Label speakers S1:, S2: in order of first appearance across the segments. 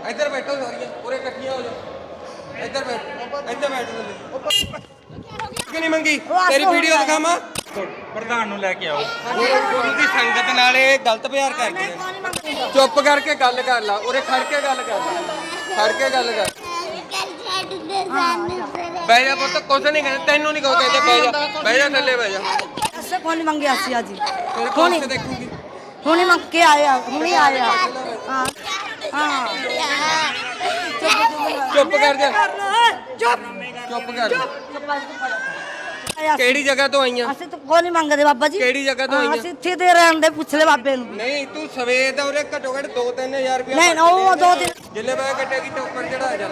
S1: ਇੱਧਰ ਬੈਠੋ ਸਾਰੀਆਂ ਉਰੇ ਇਕੱਠੀਆਂ ਹੋ ਜਾਓ। ਇੱਧਰ ਬੈਠ, ਇੱਧਰ ਬੈਠ ਥੱਲੇ। ਕਿ ਨਹੀਂ ਮੰਗੀ ਤੇਰੀ ਵੀਡੀਓ ਦਿਖਾਵਾਂ।
S2: ਪ੍ਰਧਾਨ ਨੂੰ ਲੈ ਕੇ ਆਓ।
S1: ਗੁਰੂ ਦੀ ਸੰਗਤ ਨਾਲ ਇਹ ਗਲਤ ਪਿਆਰ ਕਰਦੇ ਨੇ। ਚੁੱਪ ਕਰਕੇ ਗੱਲ ਕਰ ਲਾ, ਉਰੇ ਖੜ ਕੇ ਗੱਲ ਕਰ ਲਾ, ਖੜ ਕੇ ਗੱਲ ਕਰ। ਬਹਿ ਜਾ ਪੁੱਤ, ਕੁਛ ਨਹੀਂ ਕਹਿੰਦੇ ਤੈਨੂੰ ਨਹੀਂ ਕਹੋ ਕਹਿੰਦੇ, ਬਹਿ ਜਾ, ਬਹਿ ਜਾ ਥੱਲੇ ਬਹਿ ਜਾ।
S3: ਐਸੇ ਕੌਣ ਮੰਗਿਆ ਸੀ ਅੱਜ
S1: ਤੇਰੇ ਕੋਲ ਦੇਖੂਗੀ
S3: ਹੁਣੇ ਮੰਗ ਕੇ ਆਇਆ, ਹੁਣੇ ਆਇਆ। ਹਾਂ ਹਾਂ
S1: ਚੁੱਪ ਕਰ ਜਾ,
S3: ਚੁੱਪ
S1: ਚੁੱਪ ਕਰ ਜਾ। ਕਿਹੜੀ ਜਗ੍ਹਾ ਤੋਂ ਆਈਆਂ?
S3: ਅਸੀਂ ਤਾਂ ਕੋਈ ਨਹੀਂ ਮੰਗਦੇ ਬਾਬਾ ਜੀ।
S1: ਕਿਹੜੀ ਜਗ੍ਹਾ ਤੋਂ ਆਈਆਂ?
S3: ਅਸੀਂ ਇੱਥੇ ਦੇ ਰਹਿਣ ਦੇ, ਪੁੱਛ ਲੈ ਬਾਬੇ ਨੂੰ।
S1: ਨਹੀਂ ਤੂੰ ਸਵੇਰ ਦਾ ਉਰੇ ਘੱਟੋ ਘੱਟ 2-3000 ਰੁਪਏ
S3: ਨਹੀਂ ਉਹ 2 ਦਿਨ
S1: ਜਿੱਲੇ ਬੈ ਕੱਟੇਗੀ ਤੇ ਉੱਪਰ ਚੜਾ ਜਾ।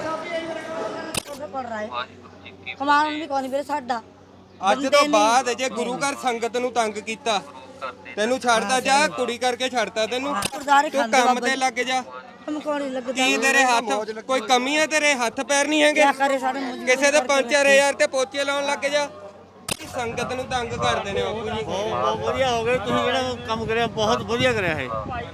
S3: ਪੜ ਰਹਾ ਹੈ ਕਮਾਨ ਵੀ ਕੋਈ ਨਹੀਂ ਵੀਰੇ ਸਾਡਾ।
S1: ਅੱਜ ਤੋਂ ਬਾਅਦ ਜੇ ਗੁਰੂ ਘਰ ਸੰਗਤ ਨੂੰ ਤੰਗ ਕੀਤਾ, ਤੈਨੂੰ ਛੱਡਦਾ ਜਾ, ਕੁੜੀ ਕਰਕੇ ਛੱਡਦਾ ਤੈਨੂੰ। ਤੂੰ ਕੰਮ ਤੇ ਲੱਗ ਜਾ। ਕੀ ਤੇਰੇ ਹੱਥ ਕੋਈ ਕਮੀ ਹੈ? ਤੇਰੇ ਹੱਥ ਪੈਰ ਨਹੀਂ ਹੈਗੇ? ਕਿਸੇ ਦੇ 5-4000 ਤੇ ਪੋਚੇ ਲਾਉਣ ਲੱਗ ਜਾ। ਸੰਗਤ ਨੂੰ ਤੰਗ ਕਰਦੇ ਨੇ ਬਾਪੂ ਜੀ।
S4: ਬਹੁਤ ਵਧੀਆ ਹੋ ਗਿਆ, ਤੁਸੀਂ ਜਿਹੜਾ ਕੰਮ ਕਰਿਆ ਬਹੁਤ ਵਧੀਆ ਕਰਿਆ ਹੈ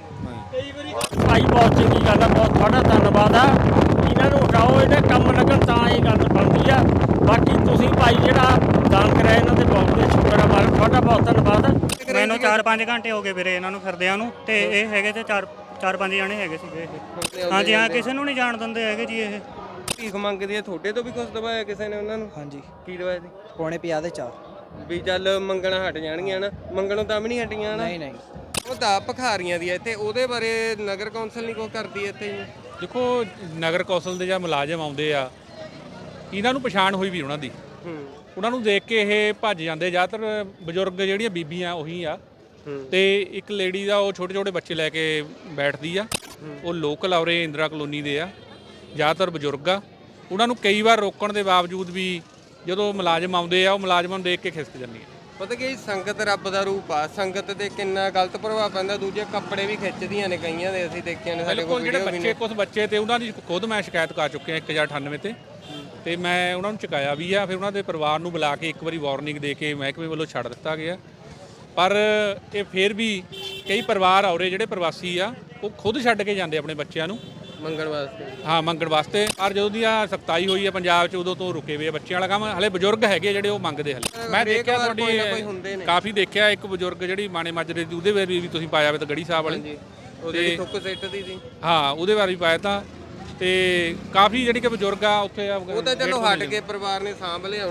S2: ਭਾਈ ਬਹੁਤ ਚੰਗੀ ਗੱਲ ਆ, ਬਹੁਤ ਤੁਹਾਡਾ ਧੰਨਵਾਦ ਆ। ਇਹਨਾਂ ਨੂੰ ਹਟਾਓ, ਇਹਦੇ ਕੰਮ ਲੱਗਣ ਤਾਂ ਇਹ ਗੱਲ ਬਣਦੀ ਆ। ਬਾਕੀ ਤੁਸੀਂ ਭਾਈ ਜਿਹੜਾ ਦਾਨ ਕਰਿਆ ਇਹਨਾਂ ਦੇ ਬਹੁਤ ਸ਼ੁਕਰ ਆ, ਮਾਲਕ ਤੁਹਾਡਾ ਬਹੁਤ ਧੰਨਵਾਦ।
S4: ਮੈਨੂੰ 4-5 ਘੰਟੇ ਹੋ ਗਏ ਵੀਰੇ ਇਹਨਾਂ ਨੂੰ ਫਿਰਦਿਆਂ ਨੂੰ, ਤੇ ਇਹ ਹੈਗੇ ਤੇ 4-5 ਜਣੇ ਹੈਗੇ ਸੀਗੇ ਇਹ। ਹਾਂਜੀ ਹਾਂ, ਕਿਸੇ ਨੂੰ ਨਹੀਂ ਜਾਣ ਦਿੰਦੇ ਹੈਗੇ ਜੀ ਇਹ।
S1: ਭੀਖ ਮੰਗਦੀ ਹੈ, ਤੁਹਾਡੇ ਤੋਂ ਵੀ ਕੁਝ ਦਵਾਇਆ ਕਿਸੇ ਨੇ ਉਹਨਾਂ ਨੂੰ?
S5: ਹਾਂਜੀ
S1: ਕੀ ਦਵਾਇਆ ਸੀ?
S5: ਪੌਣੇ 50 ਦੇ 4।
S1: ਵੀ ਚੱਲ ਮੰਗਣਾ ਹਟ ਜਾਣਗੀਆਂ ਨਾ, ਮੰਗਣੋਂ ਤਾਂ ਵੀ ਨਹੀਂ ਹਟੀਆਂ ਨਾ।
S5: ਨਹੀਂ ਨਹੀਂ
S1: ਉਹ ਤਾਂ ਭਖਾਰੀਆਂ ਦੀ ਇੱਥੇ, ਉਹਦੇ ਬਾਰੇ ਨਗਰ ਕੌਂਸਲ ਨਹੀਂ ਕੋਈ ਕਰਦੀ ਇੱਥੇ ਜੀ।
S6: ਦੇਖੋ ਨਗਰ ਕੌਂਸਲ ਦੇ ਜਾਂ ਮੁਲਾਜ਼ਮ ਆਉਂਦੇ ਆ, ਇਹਨਾਂ ਨੂੰ ਪਛਾਣ ਹੋਈ ਵੀ ਉਹਨਾਂ ਦੀ, ਉਹਨਾਂ ਨੂੰ ਦੇਖ ਕੇ ਇਹ ਭੱਜ ਜਾਂਦੇ। ਜ਼ਿਆਦਾਤਰ ਬਜ਼ੁਰਗ ਜਿਹੜੀਆਂ ਬੀਬੀਆਂ ਉਹੀ ਆ, ਤੇ ਇੱਕ ਲੇਡੀ ਦਾ ਉਹ ਛੋਟੇ ਛੋਟੇ ਬੱਚੇ ਲੈ ਕੇ ਬੈਠਦੀ ਆ। ਉਹ ਲੋਕਲ ਔਰੇ ਇੰਦਰਾ ਕਲੋਨੀ ਦੇ ਆ, ਜ਼ਿਆਦਾਤਰ ਬਜ਼ੁਰਗ ਆ। ਉਹਨਾਂ ਨੂੰ ਕਈ ਵਾਰ ਰੋਕਣ ਦੇ ਬਾਵਜੂਦ ਵੀ ਜਦੋਂ ਮੁਲਾਜ਼ਮ ਆਉਂਦੇ ਆ, ਉਹ ਮੁਲਾਜ਼ਮਾਂ ਨੂੰ ਦੇਖ ਕੇ ਖਿਸਕ ਜਾਂਦੀ ਹੈ।
S1: ਪਤਾ ਕੀ ਸੰਗਤ ਰੱਬ ਦਾ ਰੂਪ ਆ, ਸੰਗਤ ਤੇ ਕਿੰਨਾ ਗਲਤ ਪ੍ਰਭਾਵ ਪੈਂਦਾ। ਦੂਜੇ ਕੱਪੜੇ ਵੀ ਖਿੱਚਦੀਆਂ ਨੇ ਕਈਆਂ ਦੇ, ਅਸੀਂ ਦੇਖਿਆ ਨੇ ਸਾਡੇ ਕੋਲ
S6: ਜਿਹੜੇ ਬੱਚੇ ਕੁਝ ਬੱਚੇ ਤੇ ਉਹਨਾਂ ਦੀ ਖੁਦ ਮੈਂ ਸ਼ਿਕਾਇਤ ਕਰ ਚੁੱਕਿਆ 1098 ਤੇ ਮੈਂ ਉਹਨਾਂ ਨੂੰ ਚੁਕਾਇਆ ਵੀ ਆ। ਫਿਰ ਉਹਨਾਂ ਦੇ ਪਰਿਵਾਰ ਨੂੰ ਬੁਲਾ ਕੇ ਇੱਕ ਵਾਰੀ ਵਾਰਨਿੰਗ ਦੇ ਕੇ ਮਹਿਕਮੇ ਵੱਲੋਂ ਛੱਡ ਦਿੱਤਾ ਗਿਆ। ਪਰ ਇਹ ਫਿਰ ਵੀ ਕਈ ਪਰਿਵਾਰ ਔਰੇ ਜਿਹੜੇ ਪ੍ਰਵਾਸੀ ਆ, ਉਹ ਖੁਦ ਛੱਡ ਕੇ ਜਾਂਦੇ ਆਪਣੇ ਬੱਚਿਆਂ ਨੂੰ
S1: ਮੰਗਣ ਵਾਸਤੇ।
S6: ਹਾਂ, ਮੰਗਣ ਵਾਸਤੇ। ਪਰ ਜਦੋਂ ਦੀ ਆ ਸਖਤਾਈ ਹੋਈ ਹੈ ਪੰਜਾਬ 'ਚ, ਉਦੋਂ ਤੋਂ ਰੁਕੇ ਹੋਏ ਆ ਬੱਚਿਆਂ ਵਾਲਾ ਕੰਮ। ਹਲੇ ਬਜ਼ੁਰਗ ਹੈਗੇ ਜਿਹੜੇ ਉਹ ਮੰਗਦੇ ਹਲੇ। ਮੈਂ ਦੇਖਿਆ ਤੁਹਾਡੀ ਕਾਫੀ ਦੇਖਿਆ, ਇੱਕ ਬਜ਼ੁਰਗ ਜਿਹੜੀ ਮਾਣੇ ਮਾਜਰੇ ਦੀ, ਉਹਦੇ ਬਾਰੇ ਵੀ ਤੁਸੀਂ ਪਾਇਆ ਵੇ ਤਾਂ ਗੜੀ ਸਾਹਿਬ ਵਾਲੇ
S1: ਉਹਦੇ ਥੁੱਕ ਸਿੱਟ ਦੀ ਸੀ।
S6: ਹਾਂ, ਉਹਦੇ ਬਾਰੇ ਵੀ ਪਾਇਆ ਤਾਂ। ਤੇ ਕਾਫੀ ਜਿਹੜੀ ਕਿ ਬਜ਼ੁਰਗ ਆ ਉੱਥੇ
S1: ਉਹ ਤਾਂ ਚਲੋ ਹਟ ਕੇ ਪਰਿਵਾਰ ਨੇ ਸਾਂਭ ਲਿਆ।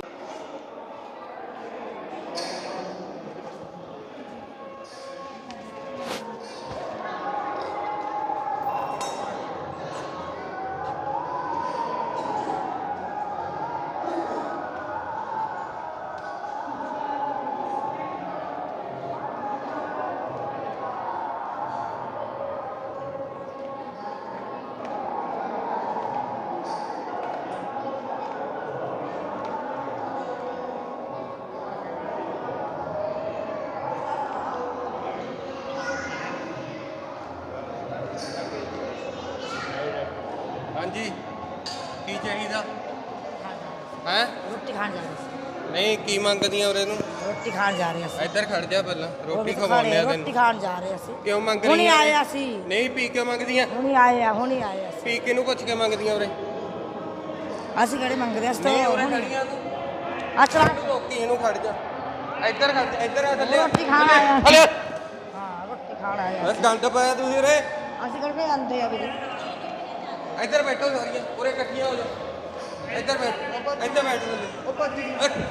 S1: ਹਾਂਜੀ, ਕੀ ਚਾਹੀਦਾ ਹੈ?
S3: ਰੋਟੀ ਖਾਣ ਜਾ ਰਹੇ ਸੀ।
S1: ਨਹੀਂ ਕੀ ਮੰਗਦੀਆਂ ਉਰੇ ਨੂੰ?
S3: ਰੋਟੀ ਖਾਣ ਜਾ ਰਹੇ ਸੀ।
S1: ਇੱਧਰ ਖੜ ਜਾ ਪਹਿਲਾਂ, ਰੋਟੀ ਖਵਾਉਂਦੇ ਆ ਤੈਨੂੰ।
S3: ਰੋਟੀ ਖਾਣ ਜਾ ਰਹੇ ਸੀ।
S1: ਕਿਉਂ ਮੰਗ
S3: ਹੁਣੇ
S1: ਰਹੀਆਂ?
S3: ਆਇਆ ਸੀ।
S1: ਨਹੀਂ ਪੀ ਕੇ ਮੰਗਦੀਆਂ?
S3: ਹੁਣੇ ਆਇਆ ਸੀ।
S1: ਪੀ ਕੇ ਨੂੰ ਪੁੱਛ ਕੇ ਮੰਗਦੀਆਂ ਉਰੇ?
S3: ਅਸੀਂ ਕਿਹੜੇ ਮੰਗਦੇ ਆ?
S1: ਨਹੀਂ ਉਰੇ ਖੜੀਆਂ ਤੂੰ,
S3: ਅੱਛਾ
S1: ਰੋਕੀ ਇਹਨੂੰ ਖੜ ਜਾ। ਇੱਧਰ ਖੜ ਜਾ, ਇੱਧਰ ਆ ਥੱਲੇ।
S3: ਰੋਟੀ ਖਾਣ ਆਇਆ ਸੀ।
S1: ਹਲੇ
S3: ਹਾਂ ਰੋਟੀ ਖਾਣ ਆਇਆ।
S1: ਬਸ ਗੰਦ ਪਾਇਆ ਤੁਸੀਂ ਉਰੇ।
S3: ਅਸੀਂ ਕਿਹੜੇ ਆਂਦੇ ਆ ਵੀਰੇ?
S1: ਇੱਧਰ ਬੈਠੋ ਸਾਰੀਆਂ ਉਰੇ ਇਕੱਠੀਆਂ ਹੋ ਜਾਓ। ਇੱਧਰ ਬੈਠ, ਇੱਧਰ ਬੈਠ ਥੱਲੇ। ਉਹ ਭੱਜੀ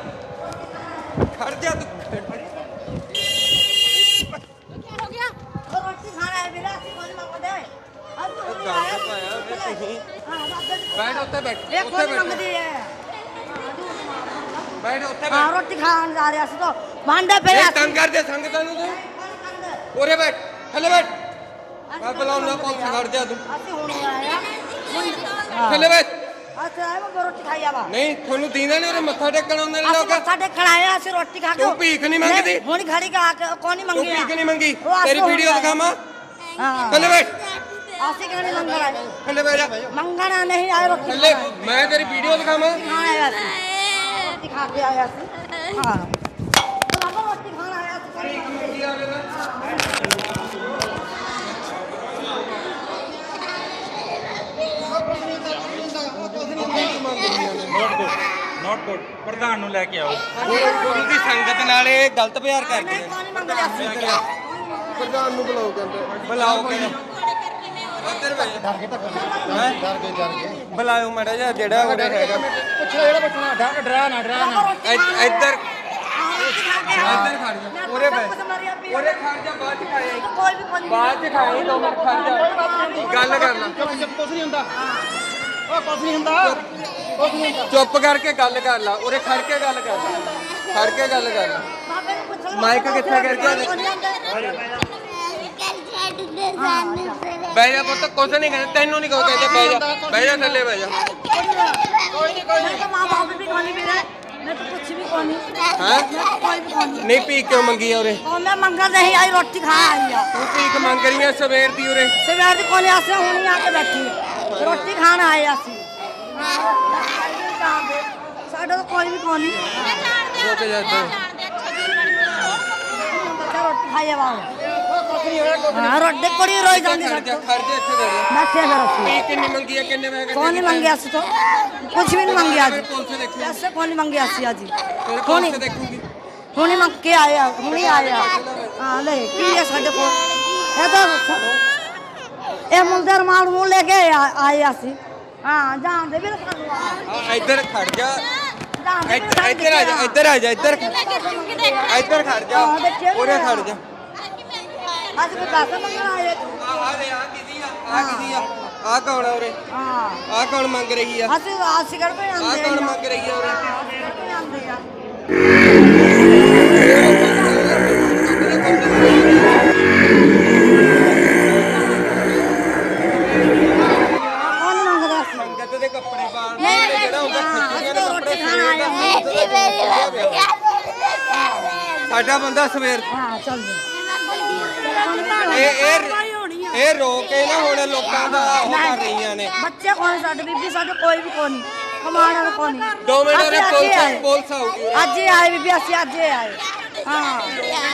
S1: ਖੜ ਜਾ ਤੂੰ।
S3: ਰੋਟੀ ਖਾਣ ਆਇਆ ਵੀਰੇ, ਅਸੀਂ ਕੋਈ ਮੰਗਦੇ।
S1: ਗੰਦ ਪਾਇਆ ਵੇ ਤੁਸੀਂ। ਬੈਠ ਉੱਥੇ ਬੈਠ,
S3: ਇਹ
S1: ਉੱਥੇ
S3: ਕੋਈ
S1: ਬੈਠ,
S3: ਮੰਗਦੀ ਹੈ।
S1: ਬੈਠ ਉੱਥੇ
S3: ਹਾਂ
S1: ਬੈਠ।
S3: ਰੋਟੀ ਖਾਣ ਜਾ ਰਹੇ ਅਸੀਂ ਤਾਂ ਭਾਂਡੇ ਪਏ
S1: ਇਹ ਤੰਗ ਕਰਦੇ ਸੰਗਤਾਂ ਨੂੰ ਤੂੰ। ਉਰੇ ਬੈਠ, ਥੱਲੇ ਬੈਠ। ਮੈਂ ਬੁਲਾਉਣਾ ਪੁਲਿਸ, ਖੜ ਜਾ ਤੂੰ।
S3: ਅਸੀਂ ਹੁਣ ਆਇਆ
S1: ਥੱਲੇ ਬੈਠ।
S3: ਅੱਛਾ ਮੈਂ ਰੋਟੀ ਖਾਈ ਆਵਾ।
S1: ਨਹੀਂ ਤੁਹਾਨੂੰ ਦੀਂਦਾ ਨਹੀਂ, ਉਰੇ ਮੱਥਾ ਟੇਕਣ ਆਉਂਦੇ ਨੇ
S3: ਅਸੀਂ
S1: ਲੋਕ।
S3: ਮੱਥਾ ਟੇਕਣ ਆਇਆ, ਅਸੀਂ ਰੋਟੀ ਖਾ ਕੇ।
S1: ਤੂੰ ਭੀਖ ਨਹੀਂ ਮੰਗਦੀ?
S3: ਹੁਣ ਖੜੀ ਕਾ ਕੇ ਕੋਈ ਨਹੀਂ
S1: ਤੂੰ
S3: ਮੰਗੀ।
S1: ਭੀਖ ਨਹੀਂ ਮੰਗੀ? ਤੇਰੀ ਵੀਡੀਓ ਦਿਖਾਵਾਂ?
S3: ਹਾਂ
S1: ਥੱਲੇ ਬੈਠ,
S3: ਅਸੀਂ ਕਿਹਨੇ ਮੰਗਣਾ ਆਏ?
S1: ਥੱਲੇ ਬੈਠ ਜਾ।
S3: ਮੰਗਣਾ ਨਹੀਂ ਆਏ ਰੋਟੀ
S1: ਥੱਲੇ ਮੈਂ ਤੇਰੀ ਵੀਡੀਓ ਦਿਖਾਵਾਂ?
S3: ਖਾਣ ਆਇਆ ਸੀ। ਰੋਟੀ ਖਾ ਕੇ ਆਇਆ ਸੀ। ਹਾਂ ਬਾਬਾ ਰੋਟੀ ਖਾਣ ਆਇਆ ਸੀ।
S6: ਨਾਟ ਗੁੱਡ ਪ੍ਰਧਾਨ ਨੂੰ ਲੈ ਕੇ ਆਓ
S1: ਗੁਰੂ ਦੀ ਸੰਗਤ ਨਾਲ ਇਹ ਗਲਤ ਪਿਆਰ ਕਰਦੇ ਨੇ।
S3: ਕੌਣ ਮੰਗਦੇ ਅਸੀਂ
S1: ਪ੍ਰਧਾਨ ਨੂੰ ਬੁਲਾਓ ਕਹਿੰਦੇ ਬੁਲਾਓ ਕਹਿੰਦੇ ਉੱਧਰ ਵੇ ਡਰ ਕੇ ਬੁਲਾਓ ਮੜਾ ਜਾ ਜਿਹੜਾ ਉਹਦੇ ਹੈਗਾ ਇੱਧਰ ਇੱਧਰ ਖੜ ਜਾ ਉਰੇ ਬੈ ਉਰੇ ਖੜ ਜਾ ਬਾਅਦ ਚ ਖਾਏ
S3: ਕੋਈ ਵੀ ਕੋਈ
S1: ਬਾਅਦ ਚ ਖਾਏ 2 ਮਿੰਟ ਖੜ ਜਾ ਗੱਲ ਕਰ ਲੈ ਚੁੱਪ ਕਰਕੇ ਗੱਲ ਕਰ ਲਾ ਉਰੇ ਖੜ ਕੇ ਗੱਲ ਕਰ ਲਾ ਖੜ ਕੇ ਗੱਲ ਕਰ ਲਾ
S3: ਬਾਬੇ ਨੂੰ ਪੁੱਛ ਲਓ
S1: ਮਾਈਕ ਕਿੱਥੇ ਕਰ ਗਿਆ ਬਹਿ ਜਾ ਪੁੱਤ ਕੁਛ ਨਹੀਂ ਕਹਿੰਦੇ ਤੈਨੂੰ ਨਹੀਂ ਕਹੋ ਕਹਿੰਦੇ ਬਹਿ ਜਾ ਥੱਲੇ ਬਹਿ ਜਾ
S3: ਕੋਈ ਨਹੀਂ ਮਾਂ ਬਾਪ ਵੀ ਕੋਣੀ ਵੀ ਰਹੇ ਮੈਂ ਤਾਂ ਕੁਛ ਵੀ ਕੋਣੀ
S1: ਹੈਂ?
S3: ਕੋਈ ਵੀ ਕੋਣੀ
S1: ਨਹੀਂ ਭੀਖ ਕਿਉਂ ਮੰਗੀ ਆ ਉਰੇ
S3: ਉਹ ਮੈਂ ਮੰਗਾ ਨਹੀਂ ਆਈ ਰੋਟੀ ਖਾ ਆਈ ਆ
S1: ਤੂੰ ਭੀਖ ਮੰਗ ਰਹੀ ਆ ਸਵੇਰ ਦੀ ਉਰੇ
S3: ਸਵੇਰ ਦੀ ਕੋਲੇ ਆਸੇ ਹੁਣੀ ਆ ਕੇ ਬੈਠੀ ਆ। ਰੋਟੀ ਖਾਣ ਆਏ ਅਸੀਂ ਸਾਡਾ ਤਾਂ ਕੋਈ ਵੀ ਕੋਣੀ
S1: ਰੁਕ ਜਾ ਇੱਧਰ
S3: ਬੱਚਾ ਰੋਟੀ ਖਾਏ ਬਾਹਰ ਹਾਂ ਰੋਟੀ ਕੁੜੀ ਰੋਈ ਜਾਂਦੀ
S1: ਖੜ ਜਾ ਖੜ ਜਾ ਇੱਥੇ ਬਹਿ ਜਾ
S3: ਬੈਠੇ ਫਿਰ ਅਸੀਂ
S1: ਭੀਖ ਕਿੰਨੀ ਮੰਗੀ ਆ ਕਿੰਨੇ ਪੈਸੇ
S3: ਕੌਣ ਨਹੀਂ ਮੰਗਿਆ ਸੀ ਤਾਂ ਕੁਝ ਵੀ ਨਹੀਂ ਮੰਗਿਆ ਜੀ
S1: ਪੁਲਿਸ ਦੇਖੂ
S3: ਪੈਸੇ ਕੌਣ ਨਹੀਂ ਮੰਗਿਆ ਸੀ ਅੱਜ
S1: ਤੇਰੇ
S3: ਕੌਣ
S1: ਪੁਲਿਸ ਦੇਖੂਗੀ
S3: ਹੁਣੀ ਮੰਗ ਕੇ ਆਇਆ ਹੁਣੀ ਆਇਆ ਹਾਂ ਲੈ ਕੀ ਹੈ ਸਾਡੇ ਕੋਲ ਇਹ ਤਾਂ ਇਹ ਮੁੰਡੇ ਰਮਾਲ ਮੂੰਹ ਲੈ ਕੇ ਆਏ ਅਸੀਂ ਹਾਂ ਜਾਣਦੇ ਵੀ ਸਾਨੂੰ
S1: ਆ ਇੱਧਰ ਖੜ ਜਾ
S3: ਜਾਣਦੇ ਵੀ
S1: ਇੱਧਰ ਆ ਜਾ ਇੱਧਰ ਆ ਜਾ ਇੱਧਰ ਇੱਧਰ ਖੜ ਜਾ ਉਰੇ ਖੜ ਜਾ
S3: ਅੱਜ ਵੀ ਪੈਸੇ ਮੰਗਣ ਆਏ
S1: ਆ ਦੇ ਆ ਕਿਦੀ ਆ ਆ ਕੌਣ ਆ ਉਰੇ
S3: ਹਾਂ
S1: ਆ ਕੌਣ ਮੰਗ ਰਹੀ ਆ
S3: ਅਸੀਂ ਕਰ ਕੋਈ
S1: ਆ
S3: ਆਂਦੇ
S1: ਕੌਣ ਮੰਗ ਰਹੀ ਆ ਉਰੇ
S3: ਕੋਈ ਆਂਦੇ ਆ ਕੌਣ ਮੰਗਦਾ ਸੀ
S1: ਸੰਗਤ ਦੇ ਕੱਪੜੇ ਪਾਉਣ
S3: ਨਹੀਂ,
S1: ਵਾਲੇ ਜਿਹੜਾ ਹੁੰਦਾ ਖੱਚੀਆਂ ਦੇ ਕੱਪੜੇ ਸਾਡਾ ਬੰਦਾ ਸਵੇਰ
S3: ਹਾਂ ਚੱਲ
S1: ਇਹ ਰੋ ਕੇ ਨਾ ਹੁਣ ਲੋਕਾਂ ਦਾ ਉਹ ਕਰ ਰਹੀਆਂ ਨੇ
S3: ਬੱਚੇ ਕੋਣ ਸਾਡੇ ਬੀਬੀ ਸਾਡੇ ਕੋਈ ਵੀ ਕੋਣੀ ਕਮਾਣਾ ਕੋਣੀ
S1: 2 ਮਿੰਟ ਉਹਨੇ ਪੁਲਿਸ ਆਊਗੀ
S3: ਅੱਜ ਹੀ ਆਏ ਬੀਬੀ ਅਸੀਂ ਅੱਜ ਹੀ ਆਏ ਹਾਂ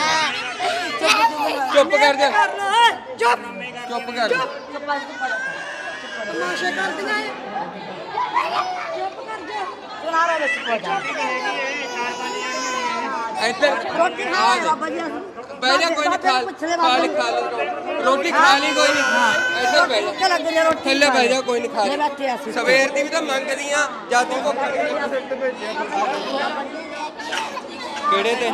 S1: ਚੁੱਪ ਕਰ ਜਾ
S3: ਚੁੱਪ
S1: ਚੁੱਪ ਕਰ ਜਾ
S3: ਤਮਾਸ਼ੇ ਕਰਦੀਆਂ ਚੁੱਪ ਕਰ ਜਾ ਚੁਨਾਰੇ ਵਿੱਚ ਪਹੁੰਚ ਜਾ
S1: ਇੱਧਰ
S3: ਰੋਟੀ ਖਾ ਲੈ ਬਾਬਾ ਜੀ
S1: ਬਹਿ ਜਾ ਕੋਈ ਨਹੀਂ ਖਾ ਲਈ ਰੋਟੀ ਖਾ ਲਈ ਕੋਈ ਨਹੀਂ ਇੱਧਰ ਬਹਿ ਜਾ
S3: ਲੱਗ ਜਾ ਰੋਟੀ
S1: ਥੱਲੇ ਬਹਿ ਜਾ ਕੋਈ ਨਹੀਂ ਖਾ ਲਈ
S3: ਬੈਠੇ ਅਸੀਂ
S1: ਸਵੇਰ ਦੀ ਵੀ ਤਾਂ ਮੰਗਦੀ ਆ ਜਦ ਤੂੰ ਭੁੱਖ ਕਿਹੜੇ ਤੇ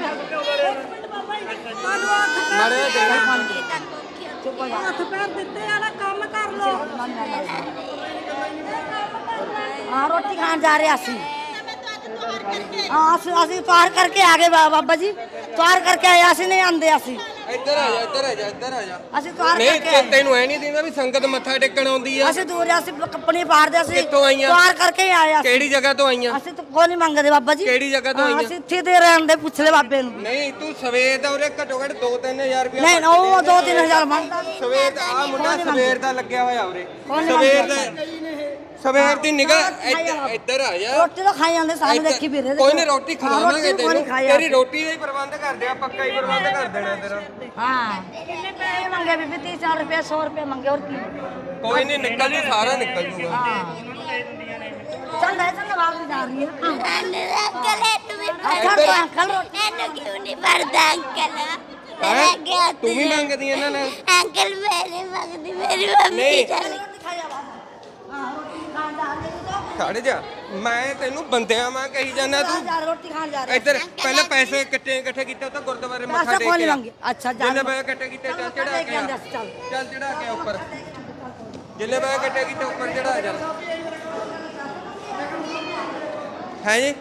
S1: ਮਾਰੇ ਦੇ
S3: ਹੱਥ ਪੈਰ ਦਿੱਤੇ ਆ ਨਾ ਕੰਮ ਕਰ ਲੋ ਹਾਂ ਰੋਟੀ ਖਾਣ ਜਾ ਰਹੇ ਅਸੀਂ ਹਾਂ ਅਸੀਂ ਪਾਰ ਕਰਕੇ ਆ ਗਏ ਬਾਬਾ ਜੀ ਪਾਰ ਕਰਕੇ ਆਏ ਅਸੀਂ ਨਹੀਂ ਆਂਦੇ ਅਸੀਂ
S1: ਇੱਧਰ ਆ ਜਾ ਇੱਧਰ ਆ ਜਾ ਇੱਧਰ ਆ ਜਾ
S3: ਅਸੀਂ ਪਾਰ
S1: ਨਹੀਂ
S3: ਕਰਕੇ ਆਏ
S1: ਤੈਨੂੰ ਐ ਨਹੀਂ ਦਿੰਦਾ ਵੀ ਸੰਗਤ ਮੱਥਾ ਟੇਕਣ ਆਉਂਦੀ ਆ
S3: ਅਸੀਂ ਦੂਰ ਅਸੀਂ ਕੱਪੜੇ ਪਾੜਦੇ ਅਸੀਂ
S1: ਕਿੱਥੋਂ ਆਈਆਂ?
S3: ਪਾਰ ਕਰਕੇ ਹੀ ਆਏ ਅਸੀਂ
S1: ਕਿਹੜੀ ਜਗ੍ਹਾ ਤੋਂ ਆਈਆਂ
S3: ਅਸੀਂ ਤਾਂ ਕੋਈ ਨਹੀਂ ਮੰਗਦੇ ਬਾਬਾ ਜੀ
S1: ਕਿਹੜੀ ਜਗ੍ਹਾ ਤੋਂ
S3: ਹਾਂ,
S1: ਆਈਆਂ?
S3: ਅਸੀਂ ਇੱਥੇ ਦੇ ਰਹਿਣ ਦੇ ਪੁੱਛ ਲੈ ਬਾਬੇ ਨੂੰ
S1: ਨਹੀਂ ਤੂੰ ਸਵੇਰ ਦਾ ਉਰੇ ਘੱਟੋ ਘੱਟ 2-3000 ਰੁਪਇਆ
S3: ਨਹੀਂ ਉਹ 2-3000 ਮੰਗਦਾ
S1: ਸਵੇਰ ਦਾ ਆ ਮੁੰਡਾ ਸਵੇਰ ਦਾ ਲੱਗਿਆ ਹੋਇਆ ਉਰੇ
S3: ਕੌਣ ਨੀ
S1: ਸਵੇਰ
S3: ਮੰਗਦਾ?
S1: ਦਾ ਸਵੇਰ ਦੀ ਨਿਗਾਹ ਇੱਧਰ ਆ ਜਾ
S3: ਰੋਟੀ ਤਾਂ ਖਾਈ ਜਾਂਦੇ ਸਾਨੂੰ
S1: ਇੱਧਰ-
S3: ਦੇਖੀ ਵੀਰੇ
S1: ਕੋਈ ਨਹੀਂ ਰੋਟੀ ਖਵਾਵਾਂਗੇ
S3: ਰੋਟੀ ਕੋਈ
S1: ਤੈਨੂੰ
S3: ਨੀ ਖਾਈ
S1: ਤੇਰੀ ਰੋਟੀ ਦਾ ਹੀ ਪ੍ਰਬੰਧ ਕਰਦੇ ਆ ਪੱਕਾ ਹੀ ਪ੍ਰਬੰਧ ਕਰ ਦੇਣਾ ਤੇਰਾ
S3: ਹਾਂ ਕਿੰਨੇ ਪੈਸੇ ਮੰਗੇ ਬੀਬੀ 30 ਰੁਪਏ 100 ਰੁਪਏ ਮੰਗੇ ਹੋਰ ਕੀ
S1: ਕੋਈ ਨਹੀਂ ਨਿਕਲ ਜੂ ਸਾਰਾ ਨਿਕਲ ਜੂਗਾ
S3: ਹਾਂ ਚੱਲ ਲੈ ਚੱਲ ਬਾਹਰ ਜਾ ਰਹੀ ਹੈ
S1: ਇੱਧਰ
S3: ਅੰਕਲ ਰੋਟੀ
S5: ਮੈਨੂੰ ਕਿਉਂ ਨਹੀਂ ਭਰਦਾ ਅੰਕਲ
S1: ਹੈਂ?
S5: ਮੇਰਾ ਗਿਆ
S1: ਤੂੰ ਵੀ ਮੰਗਦੀ ਇਹਨਾਂ ਨਾਲ
S5: ਅੰਕਲ ਮੇਰੇ ਮੰਗਦੀ ਮੇਰੀ ਮੰਮੀ
S1: ਨਹੀਂ।
S5: ਚੱਲ
S3: ਖਾਇਆ ਬਾਬਾ ਹਾਂ ਰੋਟੀ ਖਾਣ ਜਾ ਰਹੀ ਹੈ
S1: ਖੜ ਜਾ ਮੈਂ ਤੈਨੂੰ ਬੰਦਿਆਂ ਵਾਂ ਕਹੀ ਜਾਂਦਾ ਤੂੰ
S3: ਜਾ ਰੋਟੀ ਖਾਣ ਜਾ ਰਹੀ
S1: ਇੱਧਰ ਪਹਿਲਾਂ ਪੈਸੇ ਇਕੱਠੇ ਕੀਤੇ ਤਾਂ ਗੁਰਦੁਆਰੇ ਮੱਥਾ
S3: ਪੈਸੇ
S1: ਟੇਕ
S3: ਕੋਲ
S1: ਕੇ ਆ।
S3: ਮੰਗੇ ਅੱਛਾ ਜਾ
S1: ਜਿੰਨੇ ਪੈਸੇ ਇਕੱਠੇ ਕੀਤੇ ਚੱਲ ਚੜਾ ਕੇ ਆ
S3: ਚੱਲ
S1: ਚੱਲ ਚੜਾ ਕੇ ਆ ਉੱਪਰ ਜਿੰਨੇ ਪੈਸੇ ਇਕੱਠੇ ਕੀਤੇ ਉੱਪਰ ਚੜਾ ਚੱਲ ਹੈ ਜੀ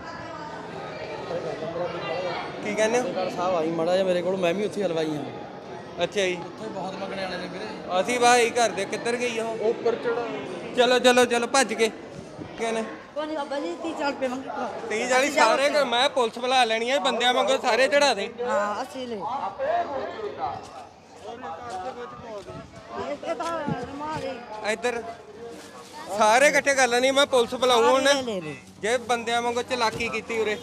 S1: ਕੀ ਕਹਿੰਦੇ ਹੋ
S7: ਸਾਹਿਬ ਆਈ ਮਾੜਾ ਜਿਹਾ ਮੇਰੇ ਕੋਲ ਮੈਂ ਵੀ ਉੱਥੇ ਹਲਵਾਈ ਹਾਂ
S1: ਅੱਛਾ ਜੀ
S7: ਉੱਥੇ ਬਹੁਤ ਮੰਗਣੇ ਵਾਲੇ ਨੇ ਵੀਰੇ
S1: ਅਸੀਂ ਭਾਈ ਘਰ ਦੇ ਕਿੱਧਰ ਗਈ ਉਹ ਉੱਪਰ ਚੜਾ ਚਲੋ ਭੱਜ ਕੇ ਕਹਿੰਦੇ
S3: ਕੋਈ ਨਹੀਂ ਬਾਬਾ ਜੀ 30 ਰੁਪਏ ਮੰਗੇ
S1: 30 40 ਸਾਰੇ ਮੈਂ ਪੁਲਿਸ ਬੁਲਾ ਲੈਣੀ ਹੈ ਬੰਦਿਆਂ ਵਾਂਗੂ ਸਾਰੇ ਚੜਾ ਦੇ
S3: ਹਾਂ ਅਸੀਂ ਲੈ ਇਹ ਤਾਂ ਰਮਾਲੀ
S1: ਇੱਧਰ ਸਾਰੇ ਇਕੱਠੇ ਕਰ ਲੈਣੀ ਮੈਂ ਪੁਲਿਸ ਬੁਲਾਉਂ ਹੁਣ
S3: ਲੈ ਲੈ
S1: ਜੇ ਬੰਦਿਆਂ ਵਾਂਗੂ ਚਲਾਕੀ ਕੀਤੀ ਉਰੇ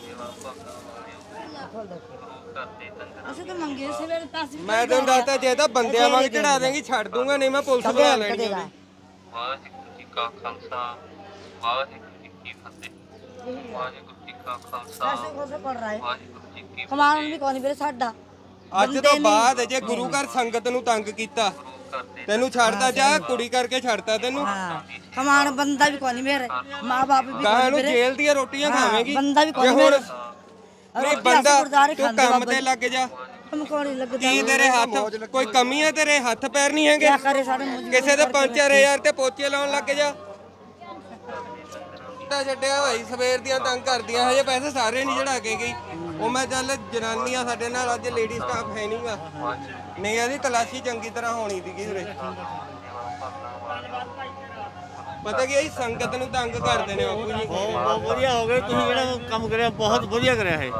S3: ਅਸੀਂ ਤਾਂ ਮੰਗੇ ਸਵੇਰੇ ਪੈਸੇ
S1: ਮੈਂ ਤੈਨੂੰ ਦੱਸਦਾ ਜੇ ਤਾਂ ਬੰਦਿਆਂ ਵਾਂਗ ਚੜਾ ਦੇਂਗੀ ਛੱਡ ਦੂੰਗਾ ਨਹੀਂ ਮੈਂ ਪੁਲਿਸ ਬੁਲਾ ਲੈਣੀ ਹੈ
S8: ਵਾਹਿਗੁਰੂ ਜੀ ਕਾ ਖਾਲਸਾ ਵਾਹਿਗੁਰੂ ਜੀ ਕੀ
S3: कैसे कैसे पढ़ रहा है कमान भी कौन ਵੀਰੇ ਸਾਡਾ
S1: ਅੱਜ ਤੋਂ ਬਾਅਦ ਜੇ ਗੁਰੂ ਘਰ ਸੰਗਤ ਨੂੰ ਤੰਗ ਕੀਤਾ ਤੈਨੂੰ ਛੱਡਦਾ ਜਾ ਕੁੜੀ ਕਰਕੇ ਛੱਡਤਾ ਤੈਨੂੰ
S3: ਹਾਂ ਕਮਾਨ ਬੰਦਾ ਵੀ ਕੋਈ ਮੇਰੇ ਮਾਂ-ਬਾਪ ਵੀ
S1: ਗਾਂ ਨੂੰ ਜੇਲ੍ਹ ਦੀਆਂ ਰੋਟੀਆਂ ਖਾਵੇਂਗੀ
S3: ਬੰਦਾ ਵੀ ਕੋਈ
S1: ਜੇ
S3: ਮੇਰੇ
S1: ਨਹੀਂ ਬੰਦਾ ਤੂੰ ਕੰਮ ਤੇ ਲੱਗ ਜਾ
S3: ਹਮ ਕੋਣੀ ਲੱਗਦਾ
S1: ਕੀ ਤੇਰੇ ਹੱਥ ਕੋਈ ਕਮੀ ਹੈ ਤੇਰੇ ਹੱਥ ਪੈਰ ਨਹੀਂ ਹੈਗੇ
S3: ਕਿਆ ਕਰੇ ਸਾਡੇ ਮੂੰਹ
S1: ਕਿਸੇ ਦੇ 5-4000 ਤੇ ਪੋਚੇ ਲਾਉਣ ਲੱਗ ਜਾ ਤਾਂ ਛੱਡਿਆ ਭਾਈ ਸਵੇਰ ਦੀਆਂ ਤੰਗ ਕਰਦੀਆਂ ਹਜੇ ਪੈਸੇ ਸਾਰੇ ਨਹੀਂ ਚੜਾ ਕੇ ਗਈ ਉਹ ਮੈਂ ਚੱਲ ਜਨਾਨੀਆਂ ਸਾਡੇ ਨਾਲ ਅੱਜ ਲੇਡੀ ਸਟਾਫ ਹੈ ਨਹੀਂਗਾ ਨਹੀਂ ਇਹਦੀ ਤਲਾਸ਼ੀ ਚੰਗੀ ਤਰ੍ਹਾਂ ਹੋਣੀ ਸੀਗੀ ਉਰੇ ਪਤਾ ਕੀ ਇਹ ਸੰਗਤ ਨੂੰ ਤੰਗ ਕਰਦੇ ਨੇ ਬਾਪੂ ਜੀ
S8: ਬਹੁਤ ਵਧੀਆ ਹੋ ਗਿਆ ਤੁਸੀਂ ਜਿਹੜਾ ਕੰਮ ਕਰਿਆ ਬਹੁਤ ਵਧੀਆ ਕਰਿਆ ਹੈ